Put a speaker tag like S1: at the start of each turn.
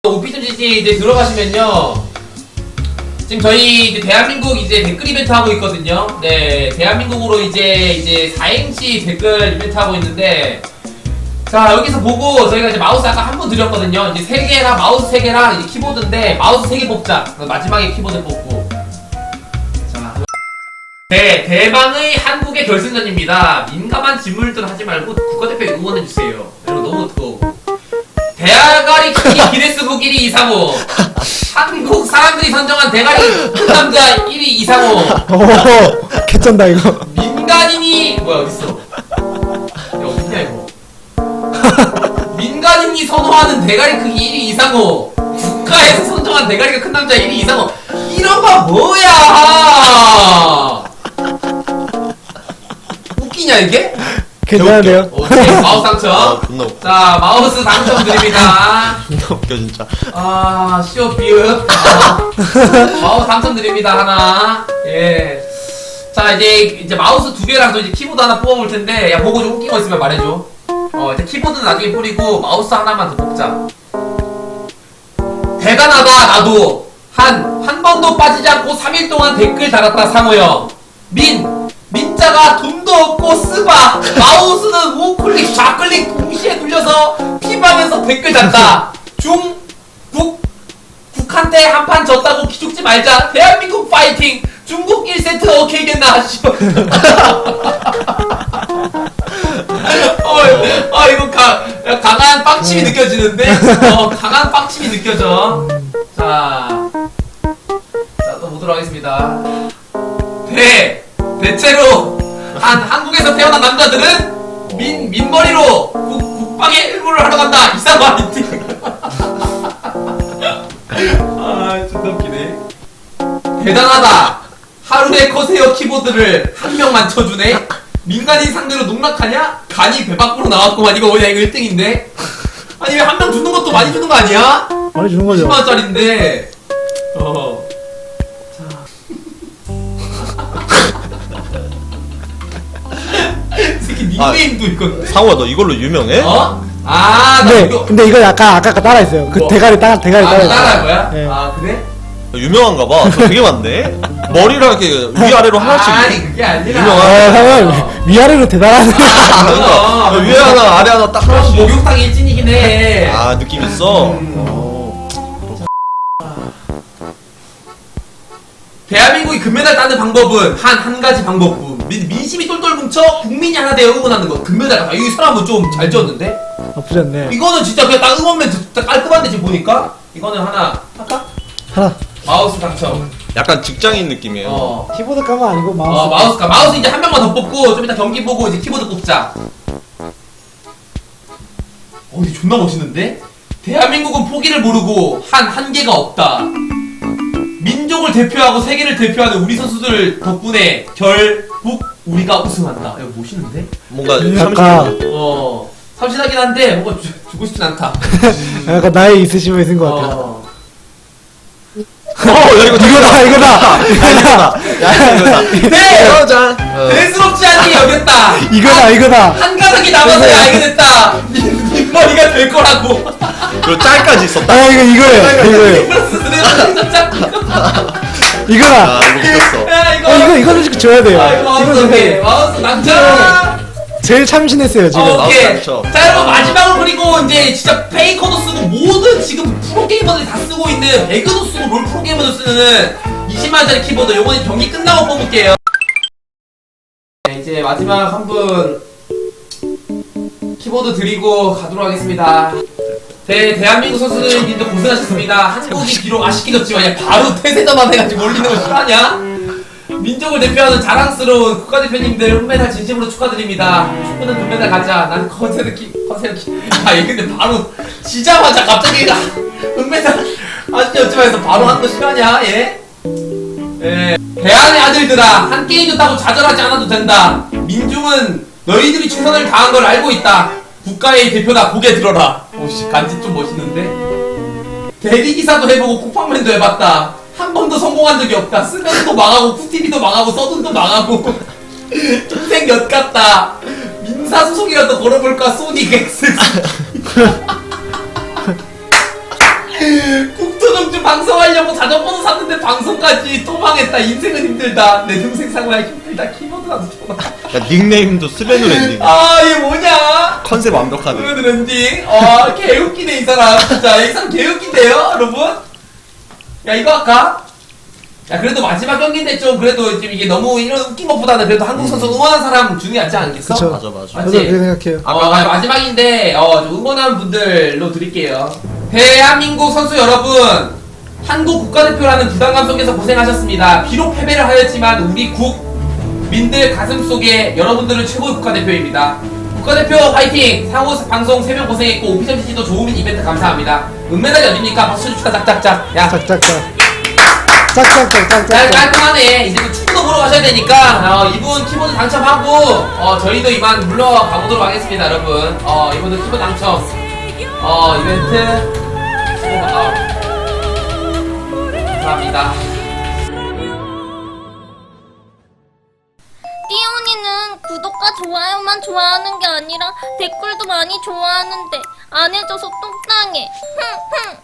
S1: 오피스GG 이제 들어가시면요. 지금 저희 이제 대한민국 이제 댓글 이벤트 하고 있거든요. 네, 대한민국으로 이제 4행시 댓글 이벤트 하고 있는데, 자, 여기서 보고 저희가 이제 마우스 아까 한 번 드렸거든요. 이제 3개랑 마우스 3개랑 이제 키보드인데, 마우스 3개 뽑자. 마지막에 키보드 뽑고. 자, 네, 대망의 한국의 결승전입니다. 민감한 질문들 하지 말고 국가대표 응원해주세요. 여러분 너무 뜨거워. 대가리 크기 기네스북 1위 이상호. 한국 사람들이 선정한 대가리 큰 남자 1위 이상호.
S2: 오, 개쩐다 이거.
S1: 민간인이 뭐야 어딨어? 야 어딨냐 이거? 민간인이 선호하는 대가리 크기 1위 이상호. 국가에서 선정한 대가리가 큰 남자 1위 이상호. 이런 거 뭐야? 웃기냐 이게?
S2: 괜찮은데요?
S1: 오케이, 마우스 당첨.
S3: 존나 웃겨.
S1: 자, 마우스 당첨 드립니다.
S3: 존나 웃겨 진짜.
S1: 아, 시오 비읍. 마우스 당첨 드립니다, 하나. 예. 자, 이제 마우스 2개랑 또 이제 키보드 하나 뽑아볼 텐데, 야, 보고 좀 웃긴 거 있으면 말해줘. 이제 키보드는 나중에 뿌리고, 마우스 하나만 더 뽑자. 대단하다, 나도. 한 번도 빠지지 않고 3일 동안 댓글 달았다, 상호 형. 민자가 돈도 없고 쓰바 마우스는 우클릭 좌클릭 동시에 눌려서 피방에서 댓글 달다. 북한테 한판 졌다고 기죽지 말자. 대한민국 파이팅. 중국 1세트 오케이겠나. 이거 강한 빵침이 느껴지는데. 강한 빵침이 느껴져. 자, 또 보도록 하겠습니다. 대체로 한국에서 태어난 남자들은 민머리로 국방에 일부를 하러 간다. 이상한 미팅. 아, 존나 웃기네. 대단하다. 하루에 커세어 키보드를 한 명만 쳐주네. 민간인 상대로 농락하냐? 간이 배 밖으로 나왔구만. 이거 뭐냐? 이거 1등인데. 아니 왜 한 명 주는 것도 많이 주는 거 아니야?
S2: 많이 주는 거죠.
S1: 10만원짜리인데. 특히 닉네임도 있거든.
S3: 상호야 너 이걸로 유명해?
S1: 나 이거
S2: 근데 이거 약간 아까 따라했어요. 그
S1: 뭐?
S2: 대가리 따라했어요.
S1: 따라할 거야?
S2: 네.
S1: 그래?
S3: 유명한가 봐. 저 되게 많네. 머리랑 이렇게 위아래로 하나씩.
S1: 아니 그게 아니라.
S3: 유명한.
S2: 상호 위아래로 대단하네.
S3: 그러니까 위에 하나 아래 하나 딱 하나씩.
S1: 목욕탕 일진이긴 해.
S3: 아 느낌 있어.
S1: 대한민국이 금메달 따는 방법은 한 가지 방법뿐. 민심이 똘똘 뭉쳐 국민이 하나 되어 응원하는 거. 금메달. 이 사람은 좀 잘 지었는데?
S2: 나쁘지 않네.
S1: 이거는 진짜 그냥 딱 응원맨 진짜 깔끔한데 지금 보니까? 이거는 하나 할까?
S2: 하나.
S1: 마우스 당첨.
S3: 약간 직장인 느낌이에요.
S2: 키보드 까면 아니고 마우스.
S1: 마우스 이제 한 명만 더 뽑고 좀 이따 경기 보고 이제 키보드 뽑자. 이게 존나 멋있는데? 대한민국은 포기를 모르고 한계가 없다. 민족을 대표하고 세계를 대표하는 우리 선수들 덕분에 결국 우리가 우승한다. 이거 멋있는데?
S3: 뭔가
S2: 약간
S1: 참신하긴 한데 뭔가 주고 싶진 않다.
S2: 약간 나이 있으신 분 있는 것 같아요.
S3: 야 이거
S2: 이거다.
S3: 야 이거다.
S1: 네!
S3: 여자.
S1: 대수롭지 않게 여겼다.
S2: 이거다.
S1: 한 가닥이 남아서야 알게 됐다. 민머리가 될 거라고.
S3: 그리고 짤까지 있었다.
S2: 이거예요. 이거다.
S3: 아 이거 웃겼어.
S2: 이거 솔직히 줘야 돼요.
S1: 마우스 당첨.
S2: 제일 참신했어요 지금.
S1: 오케이.
S3: 마우스 당첨.
S1: 자 여러분 마지막으로 그리고 이제 진짜 페이커도 쓰고 모든 지금 프로게이머들이 다 쓰고 있는 배그도 쓰고 롤 프로게이머도 쓰는 20만원짜리 키보드 요번에 경기 끝나고 뽑을게요. 네, 이제 마지막 한 분 키보드 드리고 가도록 하겠습니다. 대한민국 선수들님도 고생하셨습니다. 한국이 비록 아쉽게 졌지만 바로 태세전환 해가지고 올리는 거 싫어하냐? 민족을 대표하는 자랑스러운 국가대표님들 은메달 진심으로 축하드립니다. 축구는 금메달 가자. 난 컨세르키. 얘 근데 바로 지자마자 갑자기 은메달 아쉽게 졌지만 해서 바로 한 거 싫어하냐? 예? 대한의 아들들아, 한 게임 졌다고 좌절하지 않아도 된다. 민중은 너희들이 최선을 다한 걸 알고 있다. 국가의 대표다. 고개 들어라. 오씨, 간지 좀 멋있는데? 대리기사도 해보고 쿠팡맨도 해봤다. 한 번도 성공한 적이 없다. 쓰면도 망하고 푸티비도 망하고 서든도 망하고 인생 엿 같다. 민사소송이라도 걸어볼까. 소닉 X 방송하려고 자전거도 샀는데 방송까지 또 망했다. 인생은 힘들다. 내 동생 상황이 힘들다. 키보드 나도 좋아.
S3: 야 닉네임도 스베누 랜딩.
S1: 아, 얘 뭐냐?
S3: 컨셉 완벽하네.
S1: 스베누 랜딩. 아, 개웃기네, 이 사람. 진짜. 이 사람 개웃긴데요, 여러분? 야, 이거 할까? 야, 그래도 마지막 경기인데 좀 그래도 좀 이게 너무 이런 웃긴 것보다는 그래도 한국 선수 응원한 사람 중요하지 않겠어?
S2: 그쵸.
S3: 맞아 맞아.
S1: 맞지?
S2: 저도 그렇게 생각해요.
S1: 마지막인데 좀 응원하는 분들로 드릴게요. 대한민국 선수 여러분, 한국 국가대표라는 부담감 속에서 고생하셨습니다. 비록 패배를 하였지만 우리 국민들 가슴속에 여러분들은 최고의 국가대표입니다. 국가대표 화이팅! 상호 방송 3명 고생했고 오피셜 TG도 좋은 이벤트 감사합니다. 은메달이 어딥니까? 박수 줍시다. 짝짝짝. 야,
S2: 짝짝짝. 짝짝짝.
S1: 깔끔하네. 이제 또 축구도 보러 가셔야 되니까 이분 키보드 당첨하고 저희도 이만 물러가보도록 하겠습니다, 여러분. 이분은 키보드 당첨 이벤트 감사합니다.
S4: 띠온이는 구독과 좋아요만 좋아하는 게 아니라 댓글도 많이 좋아하는데 안 해줘서 똥땅해. 흥흥.